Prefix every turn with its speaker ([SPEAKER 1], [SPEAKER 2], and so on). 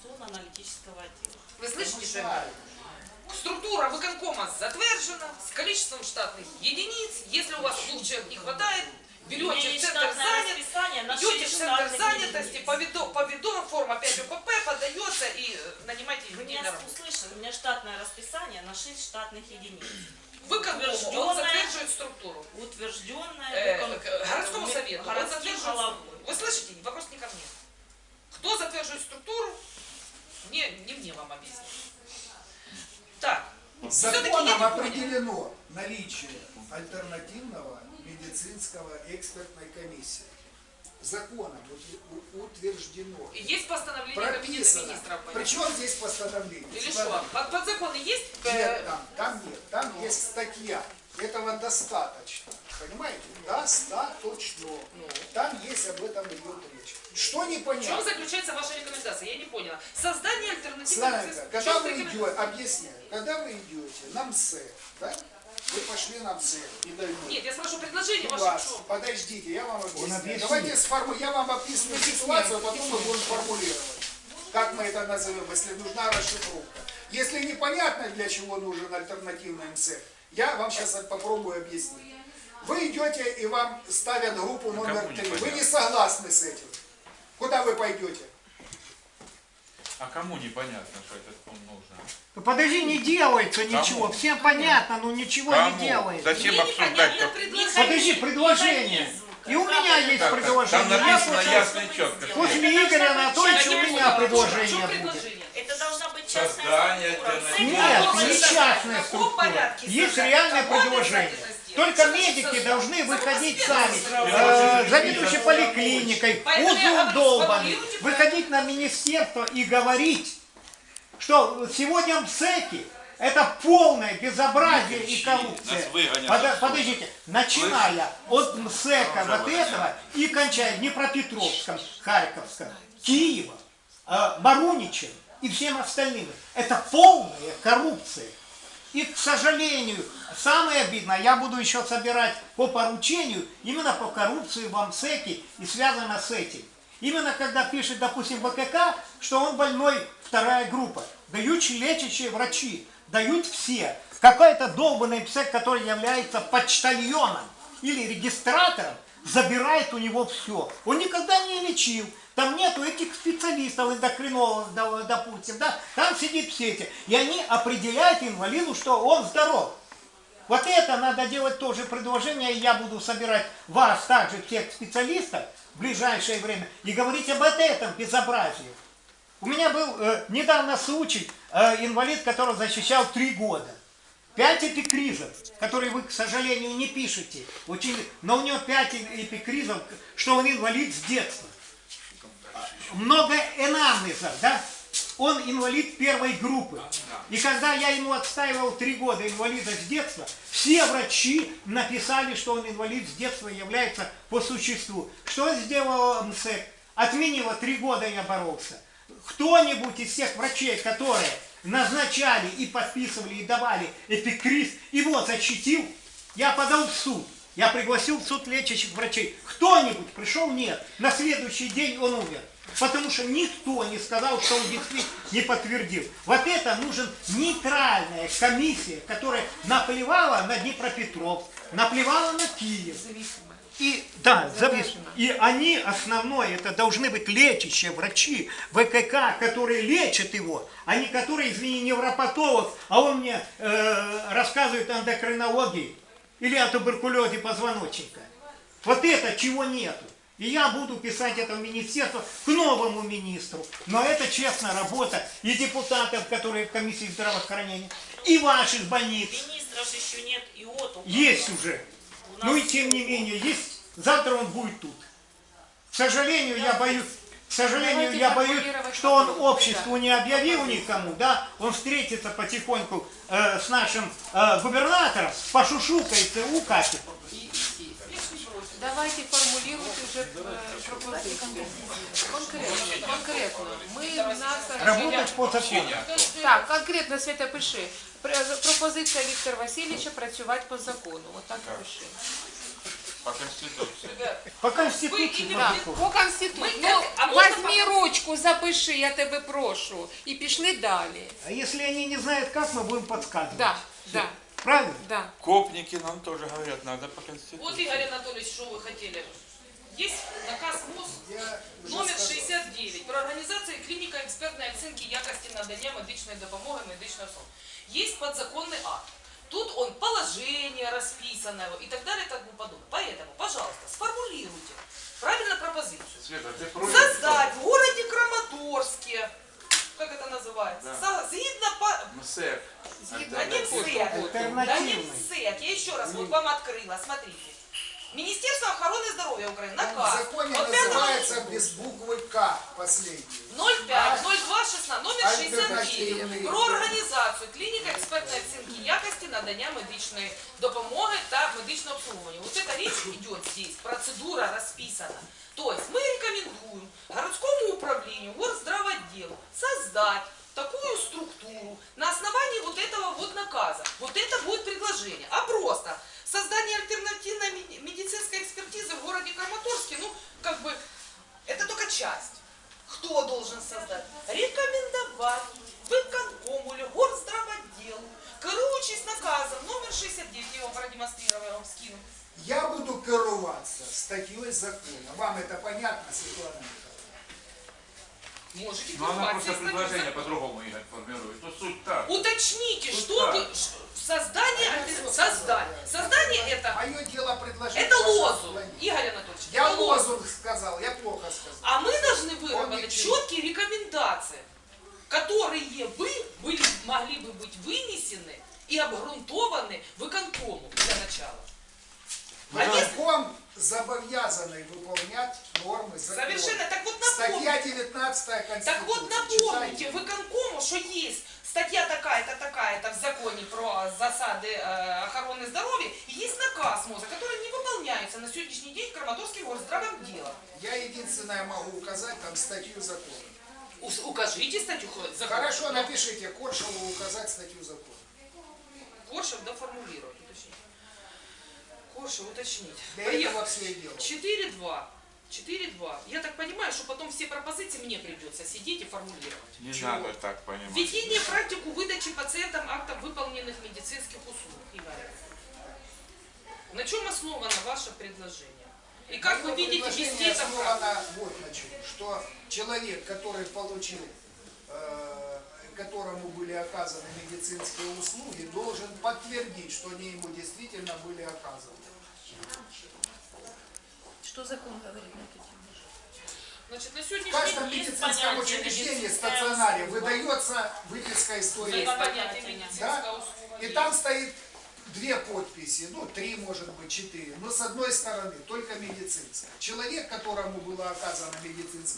[SPEAKER 1] информационно-аналитического отдела.
[SPEAKER 2] Вы слышите? Структура выконкома затвержена с количеством штатных единиц. Если у вас 2 человек не хватает, берете в центр идете в центр занятости, по видам, форма 5 УПП подается и нанимайте людей на работу.
[SPEAKER 1] Услышали, у меня штатное расписание на 6 штатных единиц.
[SPEAKER 2] Выконкому он затверживает структуру.
[SPEAKER 1] Утвержденная
[SPEAKER 2] городскому совету. Он затверживает. Вы слышите? Вопрос не ко мне. Кто затверживает структуру? Не мне вам объяснить. Так.
[SPEAKER 3] Законом определено наличие альтернативного медицинского экспертной комиссии. Законом утверждено.
[SPEAKER 2] Есть постановление Кабинета министров.
[SPEAKER 3] Причем здесь постановление?
[SPEAKER 2] Или что? Подзаконы есть?
[SPEAKER 3] Нет, там нет. Там есть статья. Этого достаточно. Понимаете? Достаточно. Там есть об этом идет речь. Что непонятно?
[SPEAKER 2] В чем заключается ваша рекомендация? Я не поняла. Создание альтернативных...
[SPEAKER 3] Славенька, когда вы идете, объясняю, когда вы идете на МСЭК, да? Вы пошли на МСЭК и дают.
[SPEAKER 2] Нет, я спрашиваю предложение ваше в чем?
[SPEAKER 3] Подождите, я вам объясню. Давайте я вам описываю ситуацию, а потом мы будем формулировать. Как мы это назовем, если нужна расшифровка. Если непонятно, для чего нужен альтернативный МСЭК, я вам сейчас попробую объяснить. Вы идете и вам ставят группу номер 3. Вы не согласны с этим. Куда вы пойдете?
[SPEAKER 4] А кому непонятно, что этот фонд нужен?
[SPEAKER 5] Ну, подожди, не делается ничего. Всем понятно, но ничего
[SPEAKER 4] Кому?
[SPEAKER 5] не делается.
[SPEAKER 4] Зачем обсуждать?
[SPEAKER 5] Подожди, предложение. И у меня есть
[SPEAKER 4] Там
[SPEAKER 5] предложение.
[SPEAKER 4] написано ясно и четко.
[SPEAKER 5] После Игоря Анатольевича у меня предложение будет.
[SPEAKER 1] Это должна быть частная
[SPEAKER 4] Создание
[SPEAKER 1] структура.
[SPEAKER 5] Нет, не частная структура. Есть реальное предложение. Только медики должны выходить сами, заведующий поликлиникой, узел долбанный, выходить на министерство и говорить, что сегодня МСЭКи это полное безобразие и коррупция. Подождите, начиная от МСЭКа вот этого и кончая Днепропетровском, Харьковском, Киевом, Маруничем и всем остальным. Это полная коррупция. И, к сожалению, самое обидное, я буду еще собирать по поручению, именно по коррупции в МСЭКе и связано с этим. Именно когда пишет, допустим, ВКК, что он больной 2-я группа, дают лечащие врачи, дают все. Какой-то долбанный МСЭК, который является почтальоном или регистратором, забирает у него все. Он никогда не лечил. Там нету этих специалистов, эндокринологов, допустим, да? Там сидит все эти. И они определяют инвалиду, что он здоров. Вот это надо делать тоже предложение, и я буду собирать вас, также всех специалистов в ближайшее время, и говорить об этом безобразии. У меня был недавно случай, инвалид, который защищал 3 года. 5 эпикризов, которые вы, к сожалению, не пишете. Но у него 5 эпикризов, что он инвалид с детства. Много анамнезов, да? Он инвалид 1-й группы. И когда я ему отстаивал 3 года инвалида с детства, все врачи написали, что он инвалид с детства является по существу. Что сделал МСЭК? Отменила 3 года, я боролся. Кто-нибудь из тех врачей, которые назначали и подписывали и давали эпикриз, его защитил, я подал в суд. Я пригласил в суд лечащих врачей. Кто-нибудь пришел? Нет. На следующий день он умер. Потому что никто не сказал, что он действительно не подтвердил. Вот это нужен нейтральная комиссия, которая наплевала на Днепропетровск, наплевала на Киев. И, да, зависимо. И они, основное, это должны быть лечащие врачи ВКК, которые лечат его, а не которые, извини, невропатолог, а он мне рассказывает о эндокринологии или о туберкулезе позвоночника. Вот это чего нету. И я буду писать это в министерство к новому министру. Но это честная работа и депутатов, которые в комиссии здравоохранения, и ваших больниц.
[SPEAKER 1] Министров еще нет, и вот он.
[SPEAKER 5] Есть уже. Ну и тем не менее, есть. Завтра он будет тут. К сожалению, я боюсь, что он обществу не объявил никому, да, он встретится потихоньку с нашим губернатором, пошушукается, укатит.
[SPEAKER 6] Давайте формулируйте уже пропозицию. Конкретно.
[SPEAKER 5] Работать по закону.
[SPEAKER 6] Так, конкретно, Света, пиши. Пропозиція Віктора Васильовича працювати по закону. Вот так і пиши.
[SPEAKER 4] По Конституции.
[SPEAKER 2] Ребят,
[SPEAKER 5] По
[SPEAKER 2] вы
[SPEAKER 5] Конституции.
[SPEAKER 2] именно-
[SPEAKER 6] Так,
[SPEAKER 5] протокол.
[SPEAKER 6] по Конституції.
[SPEAKER 2] Ми-
[SPEAKER 6] Ну,
[SPEAKER 2] а можна
[SPEAKER 6] возьми ручку, запиши, я тебе прошу. І пішли далі.
[SPEAKER 5] А если они не знают как, мы будем подсказывать.
[SPEAKER 6] Да, да,
[SPEAKER 5] Правильно?
[SPEAKER 6] да.
[SPEAKER 4] Копники нам тоже говорят, надо по
[SPEAKER 2] Вот,
[SPEAKER 4] Конституции.
[SPEAKER 2] Игорь Анатольевич, что вы хотели? Есть наказ МОЗ
[SPEAKER 3] Я уже
[SPEAKER 2] номер
[SPEAKER 3] сказал.
[SPEAKER 2] 69 про организацию клиника экспертной оценки якости надання медичної допомоги медичної особи. Есть подзаконный акт. Тут он положение расписано и так далее и тому подобное. Поэтому, пожалуйста, сформулируйте правильно пропозицию.
[SPEAKER 4] Света, ты против?
[SPEAKER 2] Создать в городе Краматорске, как это называется, згідно по...
[SPEAKER 4] МСЭК.
[SPEAKER 2] Да не МСЭК, да не
[SPEAKER 5] Альтернативный.
[SPEAKER 2] МСЭК, я еще раз вот вам открыла, смотрите. Министерство охраны здоровья Украины,
[SPEAKER 3] В
[SPEAKER 2] наказ.
[SPEAKER 3] законе
[SPEAKER 2] От 5
[SPEAKER 3] называется без буквы К последний.
[SPEAKER 2] 05-02-16, номер 69
[SPEAKER 3] Альтернативний.
[SPEAKER 2] про організацію клініка експертної оцінки якості надання медичної допомоги та медичного обслуговування. Вот эта речь идет здесь, процедура расписана. То есть мы рекомендуем городскому управлению, горздравотделу создать такую структуру на основании вот этого вот наказа. Вот это будет предложение. А просто создание альтернативной медицинской экспертизы в городе Краматорске, ну, как бы, это только часть. Кто должен создать? Рекомендовать выконкому или горздравотделу, керуючись наказом номер 69, я его продемонстрировала, я вам скину.
[SPEAKER 3] Я буду керуваться статьей закона. Вам это понятно, Светлана Михайловна?
[SPEAKER 2] Можете
[SPEAKER 4] Но она
[SPEAKER 2] керовать
[SPEAKER 4] просто
[SPEAKER 2] здесь
[SPEAKER 4] предложение
[SPEAKER 2] написано.
[SPEAKER 4] по-другому Игорь формирует. Ну суть так.
[SPEAKER 2] Уточните,
[SPEAKER 4] Вот
[SPEAKER 2] что
[SPEAKER 4] так.
[SPEAKER 2] вы... Создание,
[SPEAKER 3] Я
[SPEAKER 2] альтер-
[SPEAKER 3] всё сказал,
[SPEAKER 2] создание.
[SPEAKER 3] да.
[SPEAKER 2] Создание это...
[SPEAKER 3] Мое дело предложить.
[SPEAKER 2] Это
[SPEAKER 3] ваше
[SPEAKER 2] лозунг,
[SPEAKER 3] отклонение.
[SPEAKER 2] Игорь Анатольевич.
[SPEAKER 3] Я
[SPEAKER 2] это лозунг.
[SPEAKER 3] лозунг сказал, я плохо сказал.
[SPEAKER 2] А мы должны
[SPEAKER 3] Он
[SPEAKER 2] выработать
[SPEAKER 3] не
[SPEAKER 2] четкие рекомендации, которые могли бы быть вынесены и обґрунтованы выконкому для начала. А если-
[SPEAKER 3] Выконком зобовязаны выполнять нормы закона.
[SPEAKER 2] Совершенно. Так вот напомните.
[SPEAKER 3] Статья 19 Конституции.
[SPEAKER 2] Так вот напомните
[SPEAKER 3] Читайте.
[SPEAKER 2] выконкому, что есть статья такая-то, такая-то в законе про засады охраны здоровья, и есть наказ МОЗа, который не выполняется на сегодняшний день Краматорским горздравом делом.
[SPEAKER 3] Я единственное могу указать там статью закона.
[SPEAKER 2] Укажите статью закона.
[SPEAKER 3] Хорошо, напишите Коршеву указать статью закона.
[SPEAKER 2] Коршев доформулировать, уточнить. Коршев уточнить.
[SPEAKER 3] Для
[SPEAKER 2] Поехали.
[SPEAKER 3] этого все и дело.
[SPEAKER 2] 4-2. 4-2. Я так понимаю, что потом все пропозиции мне придется сидеть и формулировать.
[SPEAKER 4] Не
[SPEAKER 3] Чего?
[SPEAKER 4] надо так понимать.
[SPEAKER 2] Введение в практику выдачи пациентам актов выполненных медицинских услуг. Игорь. На чем основано ваше предложение? И как вы
[SPEAKER 3] Мое
[SPEAKER 2] видите
[SPEAKER 3] предложение
[SPEAKER 2] вести это в практику?
[SPEAKER 3] основано вот на чем. Что человек, который получил, которому были оказаны медицинские услуги, должен подтвердить, что они ему действительно были оказаны.
[SPEAKER 6] Что закон говорит на эту тему?
[SPEAKER 2] Значит, на
[SPEAKER 3] В
[SPEAKER 2] сегодняшний
[SPEAKER 3] каждом
[SPEAKER 2] день
[SPEAKER 1] Есть
[SPEAKER 3] медицинском
[SPEAKER 1] понятие
[SPEAKER 3] учреждении,
[SPEAKER 1] медицинская
[SPEAKER 3] стационаре,
[SPEAKER 1] услуга.
[SPEAKER 3] выдается выписка истории.
[SPEAKER 2] есть понятие
[SPEAKER 1] Да?
[SPEAKER 2] медицинская
[SPEAKER 3] Да?
[SPEAKER 2] услуга.
[SPEAKER 3] И
[SPEAKER 2] есть.
[SPEAKER 3] там стоит 2 подписи, ну 3, может быть, 4. Но с одной стороны только медицинская. Человек, которому была оказана медицинская